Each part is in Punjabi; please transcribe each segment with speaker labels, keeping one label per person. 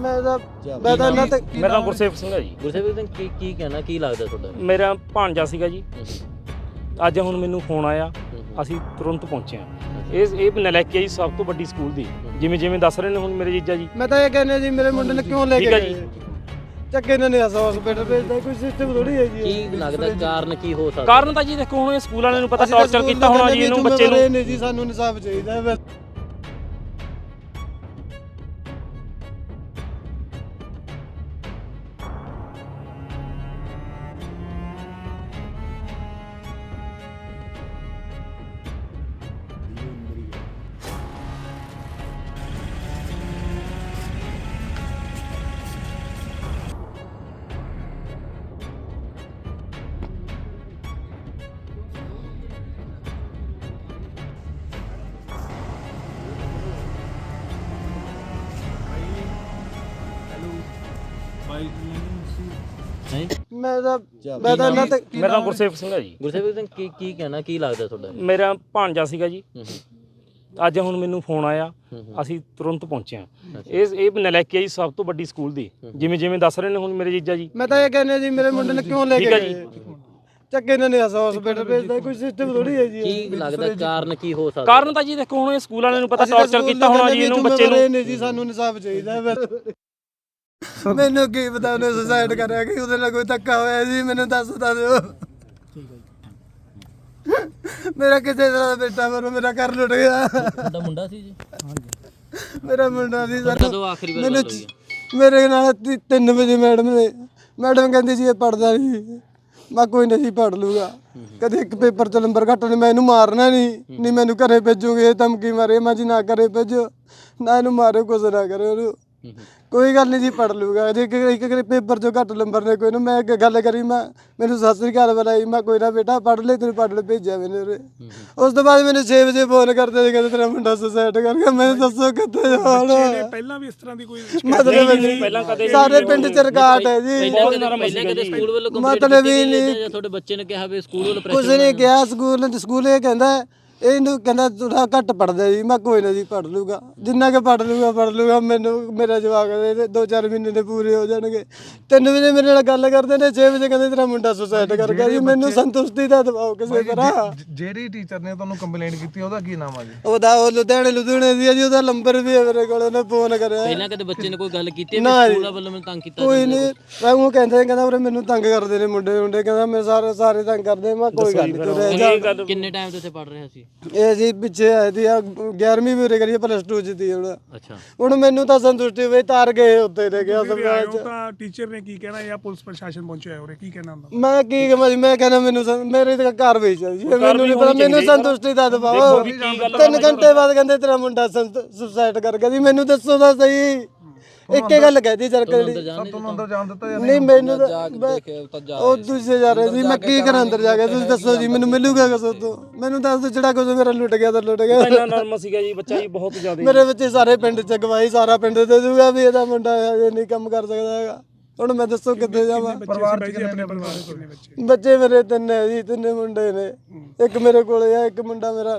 Speaker 1: ਮੈਂ ਤਾਂ ਇਹਨਾਂ ਤੇ
Speaker 2: ਮੇਰਾ ਨਾਮ ਗੁਰਸੇਵਕ ਸਿੰਘ ਹੈ ਜੀ।
Speaker 3: ਗੁਰਸੇਵਕ ਸਿੰਘ ਕੀ ਕਹਿਣਾ, ਕੀ ਲੱਗਦਾ ਤੁਹਾਡਾ?
Speaker 2: ਮੇਰਾ ਭਾਣਜਾ ਸੀਗਾ ਜੀ। ਅੱਜ ਹੁਣ ਮੈਨੂੰ ਫੋਨ ਆਇਆ, ਅਸੀਂ ਤੁਰੰਤ ਪਹੁੰਚੇ ਹਾਂ। ਇਹ ਨਲਾਇਕੀ ਜੀ ਸਭ ਤੋਂ ਵੱਡੀ ਸਕੂਲ ਦੀ, ਜਿਵੇਂ ਦੱਸ ਰਹੇ ਨੇ ਹੁਣ ਮੇਰੇ ਜੀਜਾ ਜੀ।
Speaker 1: ਮੈਂ ਤਾਂ ਇਹ ਕਹਿੰਦਾ ਜੀ ਮੇਰੇ ਮੁੰਡੇ ਨੂੰ ਕਿਉਂ ਲੈ ਕੇ ਗਏ ਚੱਕੇ ਇਹਨਾਂ ਨੇ ਹਸਪੀਟਲ ਭੇਜਦਾ, ਕੋਈ ਸਿਸਟਮ ਥੋੜੀ ਹੈ ਜੀ।
Speaker 3: ਕੀ ਲੱਗਦਾ ਕਾਰਨ ਕੀ ਹੋ ਸਕਦਾ?
Speaker 2: ਕਾਰਨ ਤਾਂ ਜੀ ਦੇਖੋ ਹੁਣ ਇਹ ਸਕੂਲ ਵਾਲਿਆਂ ਨੂੰ ਪਤਾ ਟੌਰਚਰ ਕੀਤਾ ਹੋਣਾ ਜੀ ਇਹਨੂੰ ਬੱਚੇ ਨੂੰ।
Speaker 1: ਨਹੀਂ ਜੀ, ਸਾਨੂੰ ਇਨਸਾਫ ਚਾਹੀਦਾ ਹੈ। ਮੈਂ ਤਾਂ ਇਹਨਾਂ ਤੇ
Speaker 2: ਮੇਰਾ ਨਾਮ ਗੁਰਸੇਵਕ ਸਿੰਘ ਹੈ ਜੀ।
Speaker 3: ਗੁਰਸੇਵਕ ਸਿੰਘ ਕੀ ਕਹਿਣਾ, ਕੀ ਲੱਗਦਾ ਤੁਹਾਡਾ?
Speaker 2: ਮੇਰਾ ਭਾਣਜਾ ਸੀਗਾ ਜੀ। ਅੱਜ ਹੁਣ ਮੈਨੂੰ ਫੋਨ ਆਇਆ, ਅਸੀਂ ਤੁਰੰਤ ਪਹੁੰਚੇ ਹਾਂ। ਇਹ ਨਲਾਇਕੀ ਜੀ ਸਭ ਤੋਂ ਵੱਡੀ ਸਕੂਲ ਦੀ, ਜਿਵੇਂ ਦੱਸ ਰਹੇ ਨੇ ਹੁਣ ਮੇਰੇ ਜੀਜਾ ਜੀ।
Speaker 1: ਮੈਂ ਤਾਂ ਇਹ ਕਹਿੰਦਾ ਜੀ ਮੇਰੇ ਮੁੰਡੇ ਨੂੰ ਕਿਉਂ ਲੈ ਕੇ ਗਏ ਚੱਕੇ ਇਹਨਾਂ ਨੇ ਹਸਪੀਟਲ ਭੇਜਦਾ, ਕੋਈ ਸਿਸਟਮ ਥੋੜੀ ਹੈ ਜੀ।
Speaker 3: ਕੀ ਲੱਗਦਾ ਕਾਰਨ ਕੀ ਹੋ ਸਕਦਾ?
Speaker 2: ਕਾਰਨ ਤਾਂ ਜੀ ਦੇਖੋ ਹੁਣ ਇਹ ਸਕੂਲ ਵਾਲਿਆਂ ਨੂੰ ਪਤਾ ਟੌਰਚਰ ਕੀਤਾ ਹੋਣਾ ਜੀ ਇਹਨੂੰ ਬੱਚੇ ਨੂੰ।
Speaker 1: ਨਹੀਂ ਜੀ, ਸਾਨੂੰ ਇਨਸਾਫ ਚਾਹੀਦਾ ਹੈ। ਮੈਨੂੰ ਕੀ ਪਤਾ ਉਹਨੇ ਸੁਸਾਇਡ ਕਰਿਆ ਕਿ ਉਹਦੇ ਨਾਲ ਕੋਈ ਧੱਕਾ ਹੋਇਆ ਜੀ, ਮੈਨੂੰ ਦੱਸ ਦਿਓ। ਮੇਰਾ ਕਿਸੇ ਤਰ੍ਹਾਂ ਦਾ ਬੇਟਾ ਮੇਰਾ ਘਰ ਲੁੱਟ ਗਿਆ।
Speaker 3: ਤੁਹਾਡਾ ਮੁੰਡਾ ਸੀ ਜੀ?
Speaker 1: ਮੇਰਾ ਮੁੰਡਾ ਸੀ ਸਰ।
Speaker 3: ਕਦੋਂ ਆਖਰੀ ਵਾਰ ਗੱਲ ਹੋਈ ਹੈ?
Speaker 1: ਮੇਰੇ ਨਾਲ 3 ਵਜੇ ਮੈਡਮ ਕਹਿੰਦੀ ਸੀ ਇਹ ਪੜਦਾ ਨਹੀਂ। ਮੈਂ ਕੋਈ ਨਹੀਂ ਪੜ ਲੂਗਾ, ਕਦੇ ਇੱਕ ਪੇਪਰ 'ਚ ਨੰਬਰ ਘੱਟ ਨੇ ਮੈਂ ਇਹਨੂੰ ਮਾਰਨਾ ਨਹੀਂ ਮੈਨੂੰ ਘਰੇ ਭੇਜੂਗੇ। ਇਹ ਧਮਕੀ ਮਾਰੇ ਮੈਂ ਜੀ, ਨਾ ਘਰੇ ਭੇਜੋ, ਨਾ ਇਹਨੂੰ ਮਾਰਿਓ, ਕੁਛ ਨਾ ਕਰਿਓ ਉਹਨੂੰ। ਕੋਈ ਗੱਲ ਨਹੀਂ ਜੀ, ਪੜ ਲੂਗਾ। ਜੇ ਇੱਕ ਪੇਪਰ 'ਚੋਂ ਘੱਟ ਨੰਬਰ ਨੇ ਕੋਈ ਨਾ, ਮੈਂ ਗੱਲ ਕਰੀ, ਮੈਨੂੰ ਸਤਿ ਸ੍ਰੀ ਅਕਾਲ ਬੁਲਾਈ, ਮੈਂ ਕੋਈ ਨਾ ਬੇਟਾ ਪੜ ਲੈ, ਤੈਨੂੰ ਪੜ ਲੈ ਭੇਜਿਆ ਮੈਨੇ ਉਰੇ। ਉਸ ਤੋਂ ਬਾਅਦ ਮੈਨੂੰ 6 ਵਜੇ ਫੋਨ ਕਰਦੇ ਕਹਿੰਦੇ ਤੇਰਾ ਮੁੰਡਾ ਸੁਸਾਇਡ ਕਰ ਗਿਆ। ਮੈਨੂੰ ਦੱਸੋ ਕਿੱਥੇ ਜਾਣਾ?
Speaker 4: ਪਹਿਲਾਂ ਵੀ ਇਸ ਤਰ੍ਹਾਂ ਦੀ ਕੋਈ
Speaker 1: ਮਤਲਬ ਸਾਰੇ ਪਿੰਡ 'ਚ ਰਿਕਾਰਡ ਹੈ ਜੀ।
Speaker 3: ਪਹਿਲਾਂ ਕਦੇ ਸਕੂਲ ਵੱਲੋਂ
Speaker 1: ਮਤਲਬ ਹੀ ਨਹੀਂ,
Speaker 3: ਤੁਹਾਡੇ ਬੱਚੇ ਨੇ ਕਿਹਾ ਵੀ ਸਕੂਲ ਵੱਲੋਂ
Speaker 1: ਕੁਛ ਨਹੀਂ ਕਿਹਾ। ਸਕੂਲ ਇਹ ਕਹਿੰਦਾ ਇਹਨੂੰ ਕਹਿੰਦਾ ਥੋੜਾ ਘੱਟ ਪੜਦਾ ਜੀ। ਮੈਂ ਕੋਈ ਨਾ ਜੀ, ਪੜ ਲੂਗਾ, ਜਿੰਨਾ ਕਿ ਪੜ ਲੂਗਾ। ਮੈਨੂੰ ਮੇਰਾ ਜਵਾਕ ਦੇ 2-4 ਮਹੀਨੇ ਦੇ ਪੂਰੇ ਹੋ ਜਾਣਗੇ। 3 ਵਜੇ ਮੇਰੇ ਨਾਲ ਗੱਲ ਕਰਦੇ ਨੇ, 6 ਵਜੇ ਕਹਿੰਦੇ ਤੇਰਾ ਮੁੰਡਾ ਸੁਸਾਇਡ ਕਰ ਗਿਆ ਜੀ। ਮੈਨੂੰ ਸੰਤੁਸ਼ਟੀ ਦਾ ਦਬਾਓ ਕਿਸੇ ਤਰ੍ਹਾਂ।
Speaker 4: ਜਿਹੜੀ ਟੀਚਰ ਨੇ ਤੁਹਾਨੂੰ ਕੰਪਲੇਂਟ ਕੀਤੀ ਉਹਦਾ ਕੀ ਨਾਮ ਆ ਜੀ?
Speaker 1: ਉਹ ਲੁਧਿਆਣੇ ਦੀ ਜੀ। ਉਹਦਾ ਨੰਬਰ ਵੀ ਹੈ ਮੇਰੇ ਕੋਲ, ਉਹਨੇ ਫੋਨ ਕਰਿਆ।
Speaker 3: ਪਹਿਲਾਂ ਕਦੇ ਬੱਚੇ ਨੇ ਕੋਈ ਗੱਲ ਕੀਤੀ ਸਕੂਲ ਵੱਲੋਂ ਮੈਨੂੰ ਤੰਗ ਕੀਤਾ?
Speaker 1: ਕੋਈ ਨਹੀਂ, ਮੈਂ ਉਹ ਕਹਿੰਦਾ ਉਰੇ ਮੈਨੂੰ ਤੰਗ ਕਰਦੇ ਨੇ ਮੁੰਡੇ ਕਹਿੰਦਾ ਮੈਂ ਸਾਰੇ ਤੰਗ ਕਰਦੇ। ਮੈਂ ਕੋਈ ਗੱਲ ਨਹੀਂ।
Speaker 3: ਕਿੰਨੇ ਟਾਈਮ ਤੋਂ ਇੱਥੇ ਪੜ ਰਿਹਾ ਸੀ
Speaker 1: ਇਹ ਜੀ? ਪਿੱਛੇ ਆਈ ਦੀ 11ਵੀਂ ਵੀ ਉਰੇ ਕਰੀ, +2 ਚ ਦੀ ਹੁਣ।
Speaker 3: ਅੱਛਾ, ਹੁਣ
Speaker 1: ਮੈਨੂੰ ਤਾਂ ਸੰਤੁਸ਼ਟੀ ਹੋਈ, ਤਾਰ ਗਏ ਉੱਤੇ ਲੈ ਗਿਆ ਸਰਕਾਰ ਚ।
Speaker 4: ਤਾਂ ਟੀਚਰ ਨੇ ਕੀ ਕਹਿਣਾ ਜਾਂ ਪੁਲਿਸ ਪ੍ਰਸ਼ਾਸਨ ਪਹੁੰਚਿਆ ਉਰੇ, ਕੀ ਕਹਿਣਾ ਹੁੰਦਾ?
Speaker 1: ਮੈਂ ਕੀ ਕਹਾਂ ਜੀ, ਮੈਂ ਕਹਿੰਦਾ ਮੈਨੂੰ ਮੇਰੇ ਤਾਂ ਘਰ ਵੇਚ ਜੀ। ਮੈਨੂੰ ਨਹੀਂ ਪਤਾ, ਮੈਨੂੰ ਸੰਤੁਸ਼ਟੀ ਦਾ ਦਬਾਓ। 3 ਘੰਟੇ ਬਾਅਦ ਕਹਿੰਦੇ ਤੇਰਾ ਮੁੰਡਾ ਸੁਸਾਇਡ ਕਰ ਗਿਆ ਜੀ। ਮੈਨੂੰ ਦੱਸੋ ਤਾਂ ਸਹੀ, ਇੱਕੇ ਗੱਲ ਕਹਿਦੀ ਚਰਕ ਜਿਹੜੀ
Speaker 4: ਤੁਹਾਨੂੰ ਅੰਦਰ ਜਾਣ ਦਿੱਤਾ ਜਾਂ
Speaker 1: ਨਹੀਂ? ਮੈਨੂੰ ਉਹ ਦੂਜੇ ਜਾ ਰਹੇ ਜੀ। ਮੈਂ ਕੀ ਕਰਾਂ ਅੰਦਰ ਜਾ ਕੇ? ਤੁਸੀਂ ਦੱਸੋ ਜੀ, ਮੈਨੂੰ ਮਿਲੂਗਾ ਕਿਸ ਤੋਂ? ਮੈਨੂੰ ਦੱਸ ਦਿਓ, ਜਿਹੜਾ ਕੁਝ ਮੇਰਾ ਲੁੱਟ ਗਿਆ ਤਾਂ ਲੁੱਟ ਗਿਆ।
Speaker 2: ਇੰਨਾ ਨਰਮ ਸੀਗਾ ਜੀ ਬੱਚਾ ਜੀ, ਬਹੁਤ ਜ਼ਿਆਦਾ।
Speaker 1: ਮੇਰੇ ਬੱਚੇ ਸਾਰੇ ਪਿੰਡ ਚ ਗਵਾਹੀ, ਸਾਰਾ ਪਿੰਡ ਦੇ ਦੂਗਾ ਵੀ ਇਹਦਾ ਮੁੰਡਾ ਇਹ ਨਹੀਂ ਕੰਮ ਕਰ ਸਕਦਾ ਹੈਗਾ। ਹੁਣ ਮੈਂ ਦੱਸੋ ਕਿੱਥੇ ਜਾਵਾਂ?
Speaker 4: ਪਰਿਵਾਰ ਚ ਕਿੰਨੇ ਬੱਚੇ?
Speaker 1: ਬੱਚੇ ਮੇਰੇ 3 ਹੈ ਜੀ, 3 ਮੁੰਡੇ ਨੇ। ਇੱਕ ਮੇਰੇ ਕੋਲੇ ਆ, ਇੱਕ ਮੁੰਡਾ ਮੇਰਾ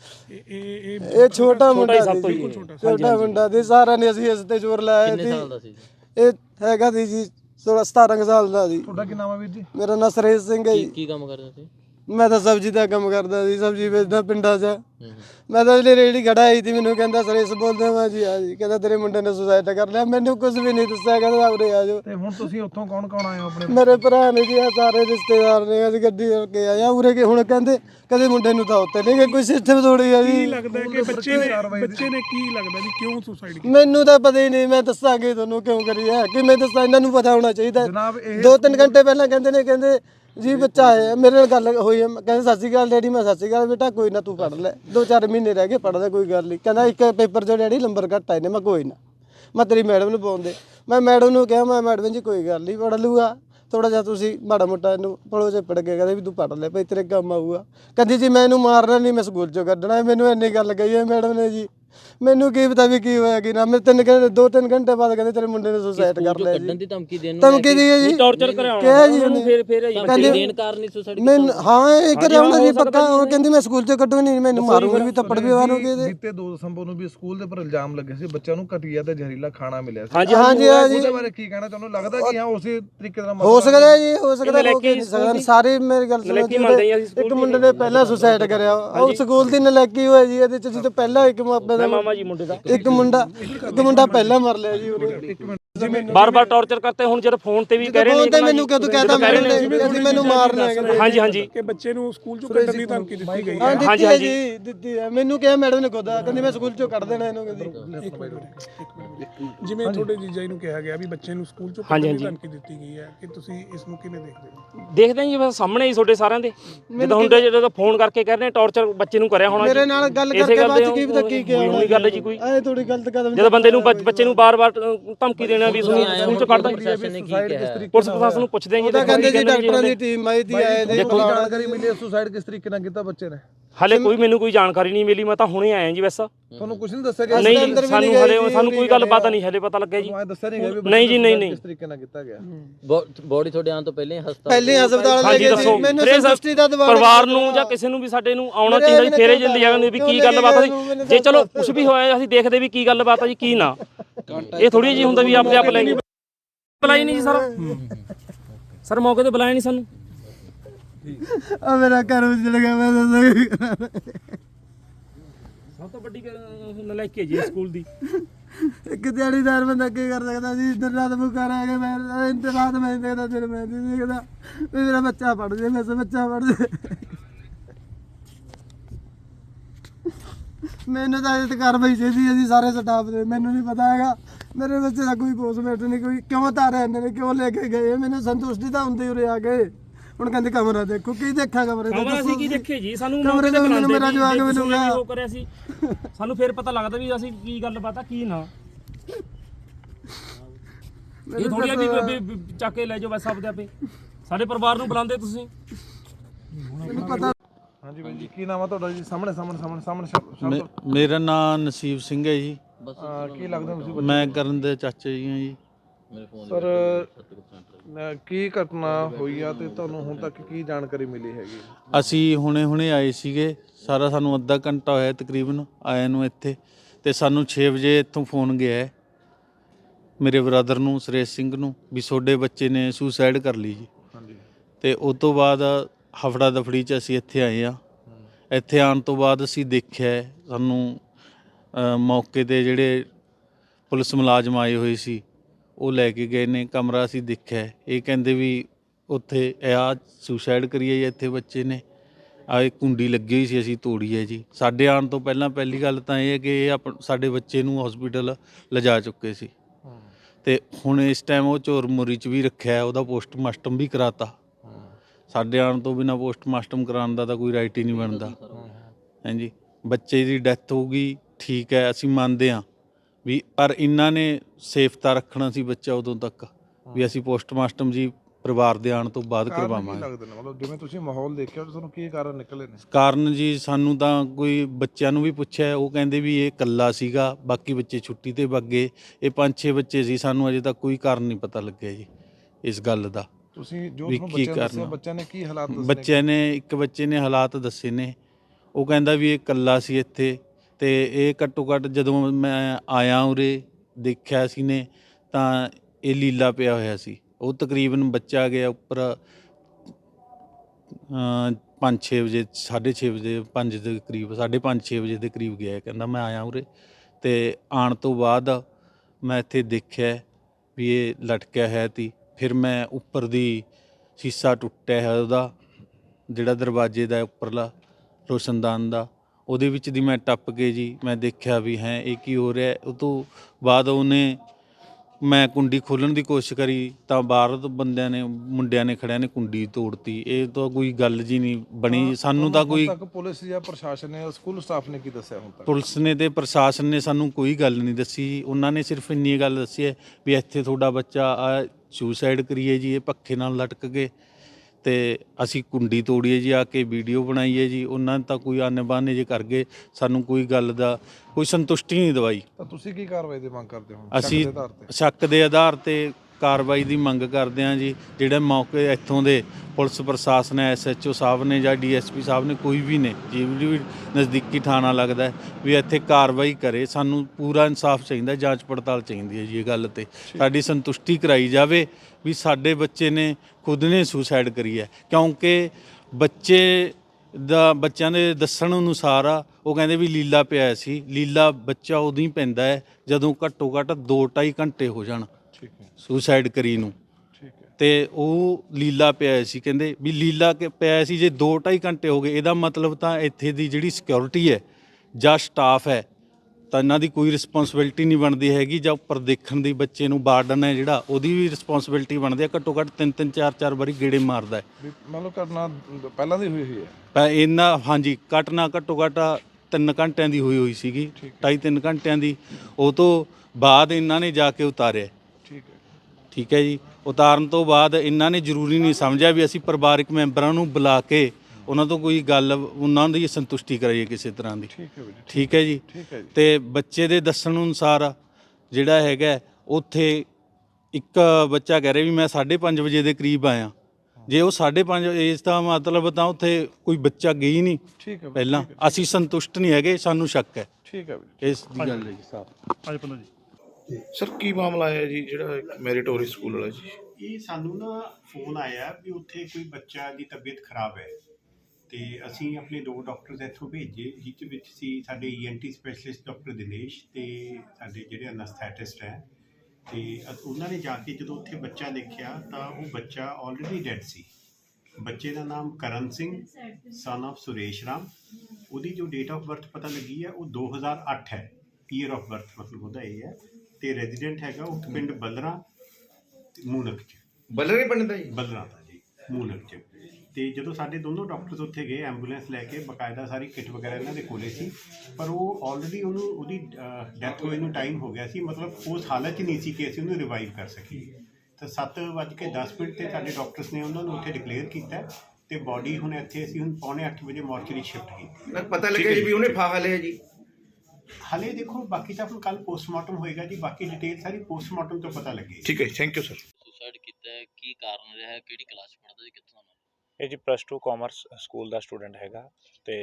Speaker 1: ਇਹ ਛੋਟਾ ਮੁੰਡਾ ਸੀ। ਛੋਟਾ ਮੁੰਡਾ ਸੀ। ਸਾਰਾ ਨੇ ਅਸੀਂ ਇਸ ਤੇ ਜ਼ੋਰ ਲਾਇਆ ਸੀ। ਇਹ ਹੈਗਾ ਸੀ ਜੀ 16-17 ਸਾਲ ਦਾ ਸੀ।
Speaker 4: ਤੁਹਾਡਾ ਕੀ ਨਾਮ ਹੈ ਵੀਰ ਜੀ?
Speaker 1: ਮੇਰਾ ਨਾਮ ਸਰੇਸ਼ ਸਿੰਘ ਹੈ ਜੀ।
Speaker 3: ਕੀ ਕੰਮ ਕਰਦਾ ਸੀ?
Speaker 1: ਮੈਂ ਤਾਂ ਸਬਜ਼ੀ ਦਾ ਕੰਮ ਕਰਦਾ ਸੀ, ਸਬਜ਼ੀ ਵੇਚਦਾ ਪਿੰਡਾਂ 'ਚ। ਮੈਂ ਤਾਂ ਜਿਹੜੀ ਰੇਹੜੀ ਖੜਾ ਆਈ ਸੀ, ਮੈਨੂੰ ਕਹਿੰਦਾ ਸਰੇਸ਼ ਬੋਲਦਾ। ਮੈਂ ਜੀ ਆ ਜੀ। ਕਹਿੰਦਾ ਤੇਰੇ ਮੁੰਡੇ ਨੇ ਸੁਸਾਇਡ ਕਰ ਲਿਆ। ਮੈਨੂੰ ਕੁਝ ਵੀ ਨਹੀਂ ਦੱਸਿਆ, ਕਹਿੰਦਾ ਉਰੇ ਆ ਜਾਓ।
Speaker 4: ਤੇ ਹੁਣ ਤੁਸੀਂ ਉੱਥੋਂ ਕੌਣ ਆਏ ਹੋ ਆਪਣੇ?
Speaker 1: ਮੇਰੇ ਭਰਾ ਨੇ ਜੀ, ਸਾਰੇ ਰਿਸ਼ਤੇਦਾਰ ਨੇ। ਅਸੀਂ ਗੱਡੀ ਕਰਕੇ ਆਏ ਆ ਉਰੇ। ਹੁਣ ਕਹਿੰਦੇ ਕਦੇ ਮੁੰਡੇ ਨੂੰ ਤਾਂ ਉੱਤੇ ਨਹੀਂ ਗਏ, ਕੋਈ ਸਿਸਟਮ ਥੋੜੀ ਆ ਜੀ।
Speaker 4: ਲੱਗਦਾ ਕਿ ਬੱਚੇ ਨੇ ਕੀ ਲੱਗਦਾ ਵੀ ਕਿਉਂ ਸੁਸਾਇਡ ਕੀਤਾ?
Speaker 1: ਮੈਨੂੰ ਤਾਂ ਪਤਾ ਹੀ ਨਹੀਂ। ਮੈਂ ਦੱਸਾਂਗੀ ਤੁਹਾਨੂੰ ਕਿਉਂ ਕਰੀ ਹੈ, ਕਿਵੇਂ ਦੱਸਾਂ? ਇਹਨਾਂ ਨੂੰ ਪਤਾ ਹੋਣਾ ਚਾਹੀਦਾ। 2-3 ਘੰਟੇ ਪਹਿਲਾਂ ਕਹਿੰਦੇ ਜੀ ਬੱਚਾ ਹੈ। ਮੇਰੇ ਨਾਲ ਗੱਲ ਹੋਈ ਹੈ, ਕਹਿੰਦੇ ਸਤਿ ਸ਼੍ਰੀ ਅਕਾਲ ਡੈਡੀ। ਮੈਂ ਸਤਿ ਸ਼੍ਰੀ ਅਕਾਲ ਬੇਟਾ, ਕੋਈ ਨਾ ਤੂੰ ਪੜ ਲੈ, 2-4 ਮਹੀਨੇ ਰਹਿ ਗਏ, ਪੜਦਾ, ਕੋਈ ਗੱਲ ਨਹੀਂ। ਕਹਿੰਦਾ ਇੱਕ ਪੇਪਰ 'ਚੋਂ ਡੈਡੀ ਨੰਬਰ ਘੱਟ ਆਏ ਨੇ। ਮੈਂ ਕੋਈ ਨਾ, ਮੈਂ ਤੇਰੀ ਮੈਡਮ ਨੂੰ ਪਾਉਂਦੇ। ਮੈਂ ਮੈਡਮ ਨੂੰ ਕਿਹਾ, ਮੈਂ ਮੈਡਮ ਜੀ ਕੋਈ ਗੱਲ ਨਹੀਂ, ਪੜ ਲੂਗਾ, ਥੋੜਾ ਜਿਹਾ ਤੁਸੀਂ ਮਾੜਾ ਮੋਟਾ ਇਹਨੂੰ ਪੜੋ ਜੇ ਪੜ ਕੇ। ਕਹਿੰਦੇ ਵੀ ਤੂੰ ਪੜ ਲੈ ਭਾਈ, ਤੇਰੇ ਕੰਮ ਆਊਗਾ। ਕਹਿੰਦੀ ਜੀ ਮੈਂ ਇਹਨੂੰ ਮਾਰਨਾ ਨਹੀਂ, ਮੈਂ ਸਕੂਲ 'ਚੋਂ ਕੱਢਣਾ। ਮੈਨੂੰ ਇੰਨੀ ਗੱਲ ਕਹੀ ਹੈ ਮੈਡਮ ਨੇ ਜੀ। ਮੈਨੂੰ ਕੀ ਪਤਾ ਵੀ ਕੀ ਹੋਇਆ ਕੀ ਨਾ। ਮੈਂ 2-3 ਘੰਟੇ ਬਾਅਦ ਕਹਿੰਦੇ ਤੇਰੇ ਮੁੰਡੇ ਨੇ ਸੁਸਾਈਡ ਕਰ ਲਿਆ
Speaker 3: ਕੱਢਣ ਦੀ ਧਮਕੀ ਦੇਣ ਨੂੰ
Speaker 1: ਧਮਕੀ ਦੀ ਹੈ ਜੀ।
Speaker 2: ਟੌਰਚਰ ਕਰਿਆ
Speaker 1: ਕਿਹਾ ਜੀ
Speaker 2: ਉਹਨੂੰ ਫਿਰ
Speaker 3: ਧਮਕੀ ਦੇਣ ਕਾਰਨ ਹੀ ਸੁਸਾਈਡ
Speaker 1: ਮੈਂ ਹਾਂ ਇਹ ਕਰਿਆ ਹੁੰਦਾ ਜੀ ਪੱਕਾ। ਉਹ ਕਹਿੰਦੀ ਮੈਂ ਸਕੂਲ ਚ ਕੱਢੂਗੀ ਨਹੀਂ, ਮੈਨੂੰ ਮਾਰੂਗੀ ਵੀ, ਥੱਪੜ ਵੀ ਮਾਰੂਗੀ ਇਹਦੇ।
Speaker 5: ਬੀਤੇ 2 ਦਸੰਬਰ ਨੂੰ ਵੀ ਸਕੂਲ ਦੇ ਉੱਪਰ ਇਲਜ਼ਾਮ ਲੱਗੇ ਸੀ ਬੱਚਿਆਂ ਨੂੰ ਘਟੀਆ ਤੇ ਜ਼ਹਿਰੀਲਾ ਖਾਣਾ ਮਿਲਿਆ ਸੀ।
Speaker 1: ਹਾਂਜੀ ਹਾਂਜੀ
Speaker 5: ਉਹਦੇ ਬਾਰੇ ਕੀ ਕਹਿਣਾ ਤੁਹਾਨੂੰ ਲੱਗਦਾ ਕਿ ਹਾਂ ਉਸੇ ਤਰੀਕੇ ਦਾ
Speaker 1: ਹੋ ਸਕਦਾ ਜੀ, ਹੋ ਸਕਦਾ ਹੋ ਕੇ ਨਹੀਂ ਸਕਦਾ। ਸਾਰੇ ਮੇਰੀ ਗੱਲ ਸੁਣੋ ਜੀ, ਇੱਕ ਮੁੰਡੇ ਨੇ ਪਹਿਲਾਂ ਸੁਸਾਈਡ ਕਰਿਆ, ਉਹ ਸਕੂਲ ਦੀ ਨਲਾਇਕੀ ਹੋਇਆ ਜੀ ਇਹਦੇ ਚ। ਜਦੋਂ ਪਹਿਲਾਂ ਇੱਕ
Speaker 2: ਮਾਮਾ ਜੀ ਮੁੰਡੇ ਦਾ
Speaker 1: ਇੱਕ ਮੁੰਡਾ ਪਹਿਲਾਂ ਮਰ ਲਿਆ ਜੀ ਉਹਨੇ।
Speaker 2: ਬਾਰ-ਬਾਰ ਟੌਰਚਰ ਕਰਤੇ। ਹੁਣ ਜਦ ਫੋਨ ਤੇ ਵੀ ਕਹਿ ਰਹੇ ਨੇ
Speaker 1: ਮੈਨੂੰ ਕਦੋਂ ਕਹਿਤਾ ਮੈਨੂੰ ਮਾਰਨਾ ਹੈ।
Speaker 2: ਹਾਂਜੀ ਹਾਂਜੀ
Speaker 4: ਕਿ ਬੱਚੇ ਨੂੰ ਸਕੂਲ ਚੋਂ ਕੱਢਣ ਦੀ ਧਮਕੀ ਦਿੱਤੀ ਗਈ ਹੈ।
Speaker 1: ਹਾਂਜੀ ਹਾਂਜੀ ਦਿੱਤੀ ਹੈ ਮੈਨੂੰ। ਕਿਹਾ ਮੈਡਮ ਨੇ ਖੁਦ ਕਹਿੰਦੀ ਮੈਂ ਸਕੂਲ ਚੋਂ ਕੱਢ ਦੇਣਾ ਇਹਨੂੰ।
Speaker 4: ਜਿਵੇਂ ਤੁਹਾਡੇ ਜੀਜਾ ਜੀ ਨੂੰ ਕਿਹਾ ਗਿਆ ਵੀ ਬੱਚੇ ਨੂੰ ਸਕੂਲ ਚੋਂ ਕੱਢਣ ਦੀ ਧਮਕੀ ਦਿੱਤੀ ਗਈ ਹੈ, ਕਿ ਤੁਸੀਂ ਇਸ ਨੂੰ ਕਿਵੇਂ ਦੇਖਦੇ ਹੋ?
Speaker 2: ਦੇਖਦੇ ਹਾਂ ਜੀ ਬਸ ਸਾਹਮਣੇ ਹੀ ਤੁਹਾਡੇ ਸਾਰਿਆਂ ਦੇ। ਜਦੋਂ ਹੁਣ ਜਦੋਂ ਫੋਨ ਕਰਕੇ ਕਹਿ ਰਹੇ ਨੇ ਟੌਰਚਰ ਬੱਚੇ ਨੂੰ ਕਰਿਆ ਹੋਣਾ।
Speaker 1: ਮੇਰੇ ਨਾਲ ਗੱਲ ਕਰਕੇ ਬਾਅਦ ਚ ਕੀ ਪਤਾ ਕੀ ਕਿਹਾ
Speaker 2: ਹੋਣੀ ਗੱਲ ਜੀ ਕੋਈ।
Speaker 1: ਐ ਥੋੜੀ ਗਲਤ ਕਦਮ
Speaker 2: ਜਦੋਂ ਬੰਦੇ ਨੂੰ ਬੱਚੇ ਨੂੰ ਬਾਰ-ਬਾਰ ਧਮਕੀ ਦੇਣਾ ਵੀ ਸਕੂਲ ਚੋਂ ਕੱਢਦਾ। ਪੁਲਿਸ ਪ੍ਰਸ਼ਾਸਨ ਨੂੰ ਪੁੱਛਦੇ ਆਂ ਜੀ।
Speaker 1: ਕਹਿੰਦੇ ਜੀ ਡਾਕਟਰਾਂ ਦੀ ਟੀਮ ਆਈ ਦੀ ਆਏ ਦੇ।
Speaker 5: ਜਾਣਕਾਰੀ ਮਿਲੀ ਸੁਸਾਈਡ ਕਿਸ ਤਰੀਕੇ ਨਾਲ ਕੀਤਾ ਬੱਚੇ ਨੇ?
Speaker 2: ਹਲੇ ਮੈਨੂੰ ਕੋਈ ਜਾਣਕਾਰੀ ਨਹੀਂ ਮਿਲੀ। ਮੈਂ ਤਾਂ ਹੁਣੇ ਆਇਆ ਜੀ ਵੈਸਾ।
Speaker 5: ਤੁਹਾਨੂੰ ਕੁਝ ਨਹੀਂ ਦੱਸਿਆ ਗਿਆ?
Speaker 2: ਨਹੀਂ ਸਾਨੂੰ ਕੋਈ ਗੱਲ ਪਤਾ ਨਹੀਂ ਹਲੇ ਪਤਾ ਲੱਗਿਆ ਜੀ।
Speaker 5: ਦੱਸਿਆ ਨਹੀਂ ਗਿਆ ਵੀ
Speaker 2: ਨਹੀਂ ਜੀ ਨਹੀਂ
Speaker 5: ਕਿਸ ਤਰੀਕੇ ਨਾਲ ਕੀਤਾ ਗਿਆ?
Speaker 3: ਬੋਡੀ ਤੁਹਾਡੇ ਆਉਣ ਤੋਂ ਪਹਿਲੇ ਹਸਪਤਾਲ
Speaker 1: ਲੈ ਗਏ ਸੀ। ਮੈਨੂੰ ਸੰਤੁਸ਼ਟੀ ਦਾ ਦਬਾਅ
Speaker 2: ਪਰਿਵਾਰ ਨੂੰ ਜਾਂ ਕਿਸੇ ਨੂੰ ਵੀ ਸਾਡੇ ਨੂੰ ਆਉਣਾ ਚਾਹੀਦਾ ਜੀ। ਫੇਰੇ ਜੇ ਲਿਜਾਣ ਵੀ ਕੀ ਗੱਲਬਾਤ ਆ। ਜੇ ਚਲੋ ਕੁਝ ਵੀ ਹੋਇਆ ਅਸੀਂ ਦੇਖਦੇ ਵੀ ਕੀ ਗੱਲਬਾਤ ਆ ਜੀ ਕੀ ਨਾ। ਇਹ ਥੋੜੀ ਜੀ ਹੁੰਦਾ ਵੀ ਆਪਦੇ ਆਪ ਲੈ ਗਏ। ਬੁਲਾਈ ਨਹੀਂ ਜੀ ਸਰ ਮੌਕੇ ਤੇ ਬੁਲਾਇਆ ਨਹੀਂ ਸਾਨੂੰ।
Speaker 1: ਆ ਮੇਰਾ ਘਰ ਉਜੜ ਗਿਆ। ਮੈਂ ਦੱਸਾਂ
Speaker 2: ਸਭ ਤੋਂ ਵੱਡੀ ਨਲਾਇਕੀ ਜੀ ਸਕੂਲ ਦੀ।
Speaker 1: ਇੱਕ ਦਿਹਾੜੀਦਾਰ ਬੰਦਾ ਕੀ ਕਰ ਸਕਦਾ ਜੀ? ਦਿਨ ਰਾਤ ਭੁੱਖਾ ਰਹਿ ਕੇ ਮੈਂ ਇੰਤ ਰਾਤ ਮੈਂ ਦੇਖਦਾ, ਦਿਨ ਮੈਂ ਨਹੀਂ ਦੇਖਦਾ ਵੀ ਮੇਰਾ ਬੱਚਾ ਪੜ ਜੇ, ਮੇਰਾ ਬੱਚਾ ਪੜ ਜੇ। ਮੈਨੂੰ ਤਾਂ ਇਹ ਕਾਰਵਾਈ ਚਾਹੀਦੀ ਹੈ ਜੀ ਸਾਰੇ ਸਟਾਫ ਦੇ। ਮੈਨੂੰ ਨਹੀਂ ਪਤਾ ਹੈਗਾ ਮੇਰੇ ਬੱਚੇ ਦਾ ਕੋਈ ਪੋਸਟਮਾਰਟਮ ਨਹੀਂ, ਕੋਈ ਕਿਉਂ ਤਾਰਿਆ ਇਹਨਾਂ ਨੇ, ਕਿਉਂ ਲੈ ਕੇ ਗਏ? ਮੈਨੂੰ ਸੰਤੁਸ਼ਟੀ ਤਾਂ ਹੁੰਦੀ ਉਰੇ ਆ ਕੇ। ਹੁਣ ਕਹਿੰਦੇ ਕਮਰਾ ਦੇਖੋ, ਕੀ ਦੇਖਾਂ ਕਮਰੇ ਦਾ?
Speaker 2: ਕਮਰਾ ਅਸੀਂ ਕੀ ਦੇਖੇ ਜੀ? ਸਾਨੂੰ
Speaker 1: ਕਮਰੇ ਦਾ ਮੈਨੂੰ ਮੇਰਾ ਜਵਾਕ ਮਿਲੂਗਾ।
Speaker 2: ਉਹ ਕਰਿਆ ਸੀ ਸਾਨੂੰ ਫਿਰ ਪਤਾ ਲੱਗਦਾ ਵੀ ਅਸੀਂ ਕੀ ਗੱਲ ਬਾਤ ਆ ਕੀ ਨਾ। ਇਹ ਥੋੜੀ ਆ ਵੀ ਚੱਕ ਕੇ ਲੈ ਜਾਓ ਬਸ ਆਪਦੇ ਆਪੇ। ਸਾਡੇ ਪਰਿਵਾਰ ਨੂੰ ਬੁਲਾਉਂਦੇ ਤੁਸੀਂ।
Speaker 1: ਮੈਨੂੰ ਪਤਾ।
Speaker 5: ਹਾਂਜੀ ਬਾਈ ਜੀ, ਕੀ ਨਾਮ ਆ ਤੁਹਾਡਾ ਜੀ? ਸਾਹਮਣੇ
Speaker 6: ਮੇਰਾ ਨਾਮ ਨਸੀਬ ਸਿੰਘ ਹੈ ਜੀ।
Speaker 5: ਕੀ ਲੱਗਦਾ ਤੁਸੀਂ?
Speaker 6: ਮੈਂ ਕਰਨ ਦੇ ਚਾਚੇ ਜੀ ਹਾਂ ਜੀ।
Speaker 5: ਸਰ ਕੀ ਘਟਨਾ ਹੋਈ ਆ ਤੇ ਤੁਹਾਨੂੰ ਹੁਣ ਤੱਕ ਕੀ ਜਾਣਕਾਰੀ ਮਿਲੀ ਹੈਗੀ?
Speaker 6: ਅਸੀਂ ਹੁਣੇ ਆਏ ਸੀਗੇ। ਸਾਰਾ ਸਾਨੂੰ ਅੱਧਾ ਘੰਟਾ ਹੋਇਆ ਤਕਰੀਬਨ ਆਇਆ ਨੂੰ ਇੱਥੇ। ਤੇ ਸਾਨੂੰ 6 ਵਜੇ ਇੱਥੋਂ ਫੋਨ ਗਿਆ ਹੈ ਮੇਰੇ ਬ੍ਰਦਰ ਨੂੰ, ਸੁਰੇਸ਼ ਸਿੰਘ ਨੂੰ, ਵੀ ਤੁਹਾਡੇ ਬੱਚੇ ਨੇ ਸੁਸਾਈਡ ਕਰ ਲਈ ਜੀ।
Speaker 5: ਹਾਂਜੀ।
Speaker 6: ਤੇ ਉਸ ਤੋਂ ਬਾਅਦ ਹਫੜਾ ਦਫੜੀ 'ਚ ਅਸੀਂ ਇੱਥੇ ਆਏ ਹਾਂ। ਇੱਥੇ ਆਉਣ ਤੋਂ ਬਾਅਦ ਅਸੀਂ ਦੇਖਿਆ ਸਾਨੂੰ ਮੌਕੇ 'ਤੇ ਜਿਹੜੇ ਪੁਲਿਸ ਮੁਲਾਜ਼ਮ ਆਏ ਹੋਏ ਸੀ ਉਹ ਲੈ ਕੇ ਗਏ ਨੇ ਕਮਰਾ। ਅਸੀਂ ਦੇਖਿਆ ਇਹ ਕਹਿੰਦੇ ਵੀ ਉੱਥੇ ਆ ਸੁਸਾਈਡ ਕਰੀਏ ਜੀ ਇੱਥੇ ਬੱਚੇ ਨੇ। ਆ ਇਹ ਕੁੰਡੀ ਲੱਗੀ ਹੋਈ ਸੀ, ਅਸੀਂ ਤੋੜੀ ਹੈ ਜੀ। ਸਾਡੇ ਆਉਣ ਤੋਂ ਪਹਿਲਾਂ ਪਹਿਲੀ ਗੱਲ ਤਾਂ ਇਹ ਹੈ ਕਿ ਇਹ ਸਾਡੇ ਬੱਚੇ ਨੂੰ ਹਸਪੀਟਲ ਲਿਜਾ ਚੁੱਕੇ ਸੀ। ਤੇ ਹੁਣ ਇਸ ਟਾਈਮ ਉਹ ਚੋਰਮੋਰੀ 'ਚ ਵੀ ਰੱਖਿਆ, ਉਹਦਾ ਪੋਸਟਮਾਸਟਮ ਵੀ ਕਰਾਤਾ। ਸਾਡੇ ਆਉਣ ਤੋਂ ਬਿਨਾਂ ਪੋਸਟਮਾਸਟਮ ਕਰਾਉਣ ਦਾ ਤਾਂ ਕੋਈ ਰਾਈਟ ਹੀ ਨਹੀਂ ਬਣਦਾ। ਹਾਂਜੀ, ਬੱਚੇ ਦੀ ਡੈਥ ਹੋ ਗਈ, ਠੀਕ ਹੈ, ਅਸੀਂ ਮੰਨਦੇ ਹਾਂ ਵੀ, ਪਰ ਇਹਨਾਂ ਨੇ ਸੇਫਤਾ ਰੱਖਣਾ ਸੀ ਬੱਚਾ ਉਦੋਂ ਤੱਕ ਵੀ ਅਸੀਂ ਪੋਸਟਮਾਸਟਮ ਜੀ ਪਰਿਵਾਰ ਦੇ ਆਉਣ ਤੋਂ ਬਾਅਦ ਕਰਵਾਵਾਂਗੇ।
Speaker 5: ਲੱਗਦਾ ਨਾ ਮਤਲਬ ਜਿਵੇਂ ਤੁਸੀਂ ਮਾਹੌਲ ਦੇਖਿਆ ਤੁਹਾਨੂੰ ਕੀ ਕਾਰਨ ਨਿਕਲੇ ਨੇ?
Speaker 6: ਕਾਰਨ ਜੀ ਸਾਨੂੰ ਤਾਂ ਕੋਈ ਬੱਚਿਆਂ ਨੂੰ ਵੀ ਪੁੱਛਿਆ, ਉਹ ਕਹਿੰਦੇ ਵੀ ਇਹ ਇਕੱਲਾ ਸੀਗਾ, ਬਾਕੀ ਬੱਚੇ ਛੁੱਟੀ ਤੇ ਵਗ ਗਏ। ਇਹ 5-6 ਬੱਚੇ ਸੀ, ਸਾਨੂੰ ਅਜੇ ਤੱਕ ਕੋਈ ਕਾਰਨ ਨਹੀਂ ਪਤਾ ਲੱਗਿਆ ਜੀ ਇਸ ਗੱਲ ਦਾ।
Speaker 5: ਤੁਸੀਂ ਜੋ
Speaker 6: ਵੀ
Speaker 5: ਤੁਹਾਨੂੰ
Speaker 6: ਕੀ
Speaker 5: ਬੱਚਿਆਂ ਦੱਸਿਆ,
Speaker 6: ਕਰਨਾ।
Speaker 5: ਬੱਚਿਆਂ ਨੇ ਕੀ ਹਾਲਾਤ ਦੱਸੇ?
Speaker 6: ਬੱਚਿਆਂ ਨੇ ਇੱਕ ਬੱਚੇ ਨੇ ਹਾਲਾਤ ਦੱਸੇ ਨੇ। ਉਹ ਕਹਿੰਦਾ ਵੀ ਇਹ ਇਕੱਲਾ ਸੀ ਇੱਥੇ। ਤੇ ਇਹ ਘੱਟੋ ਘੱਟ ਜਦੋਂ ਮੈਂ ਆਇਆ ਉਰੇ ਦੇਖਿਆ ਸੀ ਨੇ ਤਾਂ ਇਹ ਲੀਲਾ ਪਿਆ ਹੋਇਆ ਸੀ। ਉਹ ਤਕਰੀਬਨ ਬੱਚਾ ਗਿਆ ਉੱਪਰ 5-6 ਵਜੇ, 6:30 ਵਜੇ, 5 ਦੇ ਕਰੀਬ, 5:30-6 ਵਜੇ ਦੇ ਕਰੀਬ ਗਿਆ। ਕਹਿੰਦਾ ਮੈਂ ਆਇਆ ਉਰੇ। ਤੇ ਆਉਣ ਤੋਂ ਬਾਅਦ ਮੈਂ ਇੱਥੇ ਦੇਖਿਆ ਵੀ ਇਹ ਲਟਕਿਆ ਹੈ ਤੀ। ਫਿਰ ਮੈਂ ਉੱਪਰ ਦੀ ਸ਼ੀਸ਼ਾ ਟੁੱਟਿਆ ਹੈ ਉਹਦਾ, ਜਿਹੜਾ ਦਰਵਾਜ਼ੇ ਦਾ ਉੱਪਰਲਾ ਰੋਸ਼ਨਦਾਨ ਦਾ, ਉਹਦੇ ਵਿੱਚ ਦੀ ਮੈਂ ਟੱਪ ਕੇ ਜੀ ਮੈਂ ਦੇਖਿਆ ਵੀ ਹੈ ਇਹ ਕੀ ਹੋ ਰਿਹਾ। ਉਹ ਤੋਂ ਬਾਅਦ ਮੈਂ ਕੁੰਡੀ ਖੋਲ੍ਹਣ ਦੀ ਕੋਸ਼ਿਸ਼ ਕਰੀ ਤਾਂ ਬਾਹਰ ਤੋਂ ਮੁੰਡਿਆਂ ਨੇ ਖੜਿਆਂ ਨੇ ਕੁੰਡੀ ਤੋੜਤੀ। ਇਹ ਤਾਂ ਕੋਈ ਗੱਲ ਜੀ ਨਹੀਂ ਬਣੀ। ਸਾਨੂੰ ਤਾਂ ਕੋਈ
Speaker 5: ਪੁਲਿਸ ਜਾਂ ਪ੍ਰਸ਼ਾਸਨ ਨੇ, ਸਕੂਲ ਸਟਾਫ ਨੇ ਕੀ ਦੱਸਿਆ ਹੁਣ ਤੱਕ?
Speaker 6: ਪੁਲਿਸ ਨੇ ਤੇ ਪ੍ਰਸ਼ਾਸਨ ਨੇ ਸਾਨੂੰ ਕੋਈ ਗੱਲ ਨਹੀਂ ਦੱਸੀ ਜੀ। ਉਹਨਾਂ ਨੇ ਸਿਰਫ ਇੰਨੀ ਗੱਲ ਦੱਸੀ ਹੈ ਵੀ ਇੱਥੇ ਤੁਹਾਡਾ ਬੱਚਾ ਸੁਸਾਈਡ ਕਰੀਏ ਜੀ, ਇਹ ਪੱਖੇ ਨਾਲ ਲਟਕ ਗਏ। ਤੇ ਅਸੀਂ ਕੁੰਡੀ ਤੋੜੀਏ ਜੀ, ਆ ਕੇ ਵੀਡੀਓ ਬਣਾਈਏ ਜੀ। ਉਹਨਾਂ ਨੇ ਤਾਂ ਕੋਈ ਆਨੇ-ਬਾਨੇ ਜੇ ਕਰ ਗਏ, ਸਾਨੂੰ ਕੋਈ ਗੱਲ ਦਾ ਕੋਈ ਸੰਤੁਸ਼ਟੀ ਨਹੀਂ ਦਵਾਈ।
Speaker 5: ਤਾਂ ਤੁਸੀਂ ਕੀ ਕਾਰਵਾਈ ਦੀ ਮੰਗ ਕਰਦੇ ਹੋ
Speaker 6: ਅਸੀਂ
Speaker 5: ਸ਼ੱਕ ਦੇ ਆਧਾਰ ਤੇ?
Speaker 6: ਸ਼ੱਕ ਦੇ ਆਧਾਰ ਤੇ ਕਾਰਵਾਈ ਦੀ ਮੰਗ ਕਰਦੇ ਹਾਂ ਜੀ। ਜਿਹੜੇ ਮੌਕੇ ਇੱਥੋਂ ਦੇ ਪੁਲਿਸ ਪ੍ਰਸ਼ਾਸਨ ਹੈ, SHO ਸਾਹਿਬ ਨੇ ਜਾਂ DSP ਸਾਹਿਬ ਨੇ, ਕੋਈ ਵੀ ਨੇ, ਜਿਹੜੀ ਵੀ ਨਜ਼ਦੀਕੀ ਥਾਣਾ ਲੱਗਦਾ ਵੀ ਇੱਥੇ ਕਾਰਵਾਈ ਕਰੇ। ਸਾਨੂੰ ਪੂਰਾ ਇਨਸਾਫ ਚਾਹੀਦਾ, ਜਾਂਚ ਪੜਤਾਲ ਚਾਹੀਦੀ ਹੈ ਜੀ। ਇਹ ਗੱਲ ਤੇ ਸਾਡੀ ਸੰਤੁਸ਼ਟੀ ਕਰਾਈ ਜਾਵੇ ਵੀ ਸਾਡੇ ਬੱਚੇ ਨੇ ਖੁਦ ਨੇ ਸੁਸਾਈਡ ਕਰੀ ਹੈ, ਕਿਉਂਕਿ ਬੱਚਿਆਂ ਦੇ ਦੱਸਣ ਅਨੁਸਾਰ ਆ, ਉਹ ਕਹਿੰਦੇ ਵੀ ਲੀਲਾ ਪਿਆ ਸੀ। ਲੀਲਾ ਬੱਚਾ ਉਦੋਂ ਹੀ ਪੈਂਦਾ ਹੈ ਜਦੋਂ ਘੱਟੋ ਘੱਟ 2-2.5 ਘੰਟੇ ਹੋ ਜਾਣ
Speaker 5: ਠੀਕ ਹੈ,
Speaker 6: ਸੁਸਾਈਡ ਕਰੀ ਨੂੰ।
Speaker 5: ਠੀਕ ਹੈ,
Speaker 6: ਤੇ ਉਹ ਲੀਲਾ ਪਿਆ ਸੀ, ਕਹਿੰਦੇ ਵੀ ਲੀਲਾ ਪਿਆ ਸੀ। ਜੇ 2-2.5 ਘੰਟੇ ਹੋ ਗਏ, ਇਹਦਾ ਮਤਲਬ ਤਾਂ ਇੱਥੇ ਦੀ ਜਿਹੜੀ ਸਿਕਿਉਰਿਟੀ ਹੈ ਜਾਂ ਸਟਾਫ ਹੈ ਤਾਂ ਇਹਨਾਂ ਦੀ ਕੋਈ ਰਿਸਪੌਂਸਿਬਿਲਟੀ ਨਹੀਂ ਬਣਦੀ ਹੈਗੀ। ਜਾਂ ਉੱਪਰ ਦੇਖਣ ਦੀ ਬੱਚੇ ਨੂੰ ਵਾਰਡਨ ਹੈ ਜਿਹੜਾ, ਉਹਦੀ ਵੀ ਰਿਸਪੌਂਸਿਬਿਲਟੀ ਬਣਦੀ ਹੈ। ਘੱਟੋ ਘੱਟ 3-3 4-4 ਵਾਰੀ ਗੇੜੇ ਮਾਰਦਾ ਹੈ।
Speaker 5: ਵੀ ਮਤਲਬ ਘਟਨਾ ਪਹਿਲਾਂ ਦੀ ਹੋਈ ਹੈ?
Speaker 6: ਪਰ ਇਹਨਾਂ ਹਾਂਜੀ ਘਟਨਾ ਘੱਟੋ ਘੱਟ 3 ਘੰਟਿਆਂ ਦੀ ਹੋਈ ਸੀਗੀ, 2.5-3 ਘੰਟਿਆਂ ਦੀ। ਉਹ ਤੋਂ ਬਾਅਦ ਇਹਨਾਂ ਨੇ ਜਾ ਕੇ ਉਤਾਰਿਆ।
Speaker 5: ਠੀਕ ਹੈ,
Speaker 6: ਠੀਕ ਹੈ ਜੀ। ਉਤਾਰਨ ਤੋਂ ਬਾਅਦ ਇਹਨਾਂ ਨੇ ਜ਼ਰੂਰੀ ਨਹੀਂ ਸਮਝਿਆ ਵੀ ਅਸੀਂ ਪਰਿਵਾਰਕ ਮੈਂਬਰਾਂ ਨੂੰ ਬੁਲਾ ਕੇ ਉਹਨਾਂ ਤੋਂ ਕੋਈ ਗੱਲ, ਉਹਨਾਂ ਦੀ ਸੰਤੁਸ਼ਟੀ ਕਰਾਈਏ ਕਿਸੇ ਤਰ੍ਹਾਂ ਦੀ।
Speaker 5: ਠੀਕ ਹੈ ਵੀਰ ਜੀ,
Speaker 6: ਠੀਕ ਹੈ ਜੀ।
Speaker 5: ਠੀਕ ਹੈ ਜੀ।
Speaker 6: ਤੇ ਬੱਚੇ ਦੇ ਦੱਸਣ ਅਨੁਸਾਰ ਜਿਹੜਾ ਹੈਗਾ, ਉੱਥੇ ਇੱਕ ਬੱਚਾ ਕਹਿ ਰਿਹਾ ਵੀ ਮੈਂ 5:30 ਵਜੇ ਦੇ ਕਰੀਬ ਆਇਆ। ਜੇ ਉਹ 5:30 ਇਸ ਦਾ ਮਤਲਬ ਤਾਂ ਉੱਥੇ ਕੋਈ ਬੱਚਾ ਗਿਆ ਹੀ ਨਹੀਂ
Speaker 5: ਠੀਕ ਹੈ,
Speaker 6: ਪਹਿਲਾਂ। ਅਸੀਂ ਸੰਤੁਸ਼ਟ ਨਹੀਂ ਹੈਗੇ, ਸਾਨੂੰ ਸ਼ੱਕ ਹੈ
Speaker 5: ਠੀਕ ਹੈ ਵੀਰ।
Speaker 6: ਇਸ ਦੀ ਗੱਲ ਹੈ ਜੀ ਸਾਹਿਬ।
Speaker 5: ਸਰ ਕੀ ਮਾਮਲਾ ਹੈ ਜੀ ਜਿਹੜਾ ਮੈਰੀਟੋਰੀ ਸਕੂਲ ਵਾਲਾ ਜੀ?
Speaker 7: ਇਹ ਸਾਨੂੰ ਨਾ ਫੋਨ ਆਇਆ ਵੀ ਉੱਥੇ ਕੋਈ ਬੱਚਾ ਦੀ ਤਬੀਅਤ ਖਰਾਬ ਹੈ ਤੇ ਅਸੀਂ ਆਪਣੇ 2 ਡਾਕਟਰਸ ਇੱਥੋਂ ਭੇਜੇ, ਜਿਸ ਵਿੱਚ ਸੀ ਸਾਡੇ ENT ਸਪੈਸ਼ਲਿਸਟ ਡਾਕਟਰ ਦਿਨੇਸ਼ ਤੇ ਸਾਡੇ ਜਿਹੜੇ ਅਨਸਥੈਟਿਸਟ ਹੈ। ਤੇ ਉਹਨਾਂ ਨੇ ਜਾ ਕੇ ਜਦੋਂ ਉੱਥੇ ਬੱਚਾ ਦੇਖਿਆ ਤਾਂ ਉਹ ਬੱਚਾ ਆਲਰੇਡੀ ਡੈਡ ਸੀ। ਬੱਚੇ ਦਾ ਨਾਮ ਕਰਨ ਸਿੰਘ ਸਨ ਆਫ ਸੁਰੇਸ਼ ਰਾਮ। ਉਹਦੀ ਜੋ ਡੇਟ ਆਫ ਬਰਥ ਪਤਾ ਲੱਗੀ ਹੈ ਉਹ 2008 ਹੈ। ਈਅਰ ਆਫ ਬਰਥ ਮਤਲਬ ਉਹਦਾ ਇਹ ਹੈ। ਤੇ ਰੈਜ਼ੀਡੈਂਟ ਹੈਗਾ ਉਹ ਪਿੰਡ ਬਲਰਾ ਮੂਨਕ 'ਚ।
Speaker 5: ਬਲਰੇ ਪਿੰਡ ਦਾ ਜੀ?
Speaker 7: ਬਲਰਾ ਦਾ ਜੀ, ਮੂਨਕ 'ਚ। ਤੇ ਜਦੋਂ ਸਾਡੇ ਦੋਨੋਂ ਡਾਕਟਰਸ ਉੱਥੇ ਗਏ, ਐਂਬੂਲੈਂਸ ਲੈ ਕੇ, ਬਕਾਇਦਾ ਸਾਰੀ ਕਿੱਟ ਵਗੈਰਾ ਇਹਨਾਂ ਦੇ ਕੋਲੇ ਸੀ, ਪਰ ਉਹ ਆਲਰੇਡੀ ਉਹਦੀ ਡੈਥ ਹੋਏ ਨੂੰ ਟਾਈਮ ਹੋ ਗਿਆ ਸੀ। ਮਤਲਬ ਉਸ ਹਾਲਤ 'ਚ ਨਹੀਂ ਸੀ ਕਿ ਅਸੀਂ ਉਹਨੂੰ ਰਿਵਾਈਵ ਕਰ ਸਕੀਏ। ਤਾਂ 7:10 ਤੇ ਸਾਡੇ ਡਾਕਟਰਸ ਨੇ ਉਹਨਾਂ ਨੂੰ ਉੱਥੇ ਡਿਕਲੇਅਰ ਕੀਤਾ ਤੇ ਬਾਡੀ ਹੁਣ ਇੱਥੇ ਅਸੀਂ ਹੁਣ 7:45 ਵਜੇ ਮੋਰਚਰੀ ਸ਼ਿਫਟ ਕੀਤੀ।
Speaker 5: ਪਤਾ ਲੱਗਿਆ ਜੀ ਵੀ ਉਹਨੇ ਫਾਹਾ ਲਿਆ ਜੀ?
Speaker 7: ਹਾਲੇ ਦੇਖੋ, ਬਾਕੀ ਤਾਂ ਹੁਣ ਕੱਲ ਪੋਸਟਮਾਰਟਮ ਹੋਏਗਾ ਜੀ, ਬਾਕੀ ਡਿਟੇਲ ਸਾਰੀ ਪੋਸਟਮਾਰਟਮ ਤੋਂ ਪਤਾ ਲੱਗੇ।
Speaker 5: ਠੀਕ ਹੈ, ਥੈਂਕ ਯੂ ਸਰ।
Speaker 3: ਸੁਸਾਈਡ ਕੀਤਾ ਹੈ, ਕੀ ਕਾਰਨ ਰਿਹਾ, ਕਿਹੜੀ ਕਲਾਸ ਪੜ੍ਹਦਾ ਜੀ, ਕਿੱਥੋਂ ਦਾ?
Speaker 8: ਇਹ ਜੀ +2 ਕਾਮਰਸ ਸਕੂਲ ਦਾ ਸਟੂਡੈਂਟ ਹੈਗਾ। ਤੇ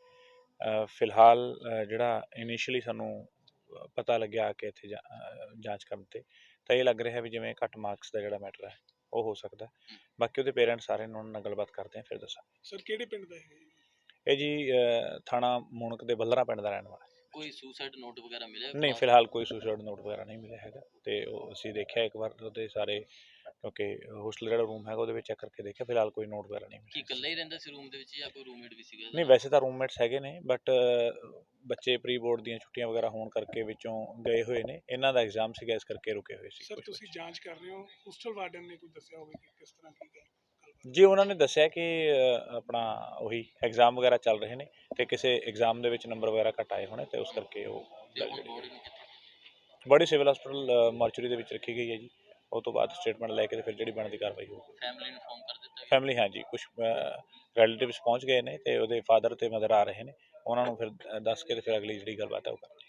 Speaker 8: ਫਿਲਹਾਲ ਜਿਹੜਾ ਇਨੀਸ਼ੀਅਲੀ ਸਾਨੂੰ ਪਤਾ ਲੱਗਿਆ ਕਿ ਇੱਥੇ ਜਾਂਚ ਕਰਨ ਤੇ ਤਾਂ ਇਹ ਲੱਗ ਰਿਹਾ ਵੀ ਜਿਵੇਂ ਘੱਟ ਮਾਰਕਸ ਦਾ ਜਿਹੜਾ ਮੈਟਰ ਹੈ ਉਹ ਹੋ ਸਕਦਾ। ਬਾਕੀ ਉਹਦੇ ਪੇਰੈਂਟਸ ਸਾਰੇ ਨੂੰ ਨਾਲ ਗੱਲਬਾਤ ਕਰਦੇ ਆ, ਫਿਰ ਦੱਸਾਂਗੇ।
Speaker 4: ਸਰ ਕਿਹੜੇ ਪਿੰਡ ਦਾ ਹੈ
Speaker 8: ਇਹ ਜੀ ਥਾਣਾ ਮੂਣਕ ਦੇ ਬਲਰਾ ਪਿੰਡ ਦਾ ਰਹਿਣ ਵਾਲਾ।
Speaker 3: ਕੋਈ ਸੁਸਾਈਡ ਨੋਟ ਵਗੈਰਾ ਮਿਲਿਆ?
Speaker 8: ਨਹੀਂ, ਫਿਲਹਾਲ ਕੋਈ ਸੁਸਾਈਡ ਨੋਟ ਵਗੈਰਾ ਨਹੀਂ ਮਿਲਿਆ ਹੈਗਾ। ਤੇ ਉਹ ਅਸੀਂ ਦੇਖਿਆ ਇੱਕ ਵਾਰ ਉਹਦੇ ਸਾਰੇ, ਕਿਉਂਕਿ ਹੋਸਟਲ ਜਿਹੜਾ ਰੂਮ ਹੈਗਾ ਉਹਦੇ ਵਿੱਚ ਚੈੱਕ ਕਰਕੇ ਦੇਖਿਆ, ਫਿਲਹਾਲ ਕੋਈ ਨੋਟ ਵਗੈਰਾ ਨਹੀਂ ਮਿਲਿਆ।
Speaker 3: ਕੀ ਇਕੱਲਾ ਹੀ ਰਹਿੰਦਾ ਸੀ ਰੂਮ ਦੇ ਵਿੱਚ ਜਾਂ ਕੋਈ ਰੂਮਮੇਟ ਵੀ ਸੀਗਾ?
Speaker 8: ਨਹੀਂ, ਵੈਸੇ ਤਾਂ ਰੂਮਮੇਟਸ ਹੈਗੇ ਨੇ, ਬਟ ਬੱਚੇ ਪ੍ਰੀ ਬੋਰਡ ਦੀਆਂ ਛੁੱਟੀਆਂ ਵਗੈਰਾ ਹੋਣ ਕਰਕੇ ਵਿੱਚੋਂ ਗਏ ਹੋਏ ਨੇ। ਇਹਨਾਂ ਦਾ ਐਗਜ਼ਾਮ ਸੀਗਾ, ਇਸ ਕਰਕੇ ਰੁਕੇ ਹੋਏ ਸੀ।
Speaker 4: ਸਰ ਤੁਸੀਂ ਜਾਂਚ ਕਰ ਰਹੇ ਹੋ, ਹੋਸਟਲ ਵਾਰਡਨ ਨੇ ਕੋਈ ਦੱਸਿਆ ਹੋਵੇ ਕਿ ਕਿਸ ਤਰ੍ਹਾਂ ਕੀ ਗੱਲ?
Speaker 8: ਜੀ ਉਹਨਾਂ ਨੇ ਦੱਸਿਆ ਕਿ ਆਪਣਾ ਉਹੀ ਐਗਜ਼ਾਮ ਵਗੈਰਾ ਚੱਲ ਰਹੇ ਨੇ ਤੇ ਕਿਸੇ ਐਗਜ਼ਾਮ ਦੇ ਵਿੱਚ ਨੰਬਰ ਵਗੈਰਾ ਘੱਟ ਆਏ ਹੋਣੇ ਤੇ ਉਸ ਕਰਕੇ ਉਹ ਬੜੀ ਸਿਵਲ ਹਸਪੀਟਲ ਮਾਰਚਰੀ ਦੇ ਵਿੱਚ ਰੱਖੀ ਗਈ ਹੈ ਜੀ। ਉਹ ਤੋਂ ਬਾਅਦ ਸਟੇਟਮੈਂਟ ਲੈ ਕੇ ਤੇ ਫਿਰ ਜਿਹੜੀ ਬਣਦੀ ਕਾਰਵਾਈ ਹੋਊਗੀ।
Speaker 3: ਫੈਮਿਲੀ ਨੂੰ ਇਨਫੋਰਮ ਕਰ ਦਿੱਤਾ?
Speaker 8: ਫੈਮਿਲੀ ਹਾਂਜੀ, ਕੁਝ ਰਿਲੇਟਿਵਸ ਪਹੁੰਚ ਗਏ ਨੇ ਤੇ ਉਹਦੇ ਫਾਦਰ ਤੇ ਮਦਰ ਆ ਰਹੇ ਨੇ, ਉਹਨਾਂ ਨੂੰ ਫਿਰ ਦੱਸ ਕੇ ਤੇ ਫਿਰ ਅਗਲੀ ਜਿਹੜੀ ਗੱਲਬਾਤ ਹੈ ਉਹ ਕਰਦੇ।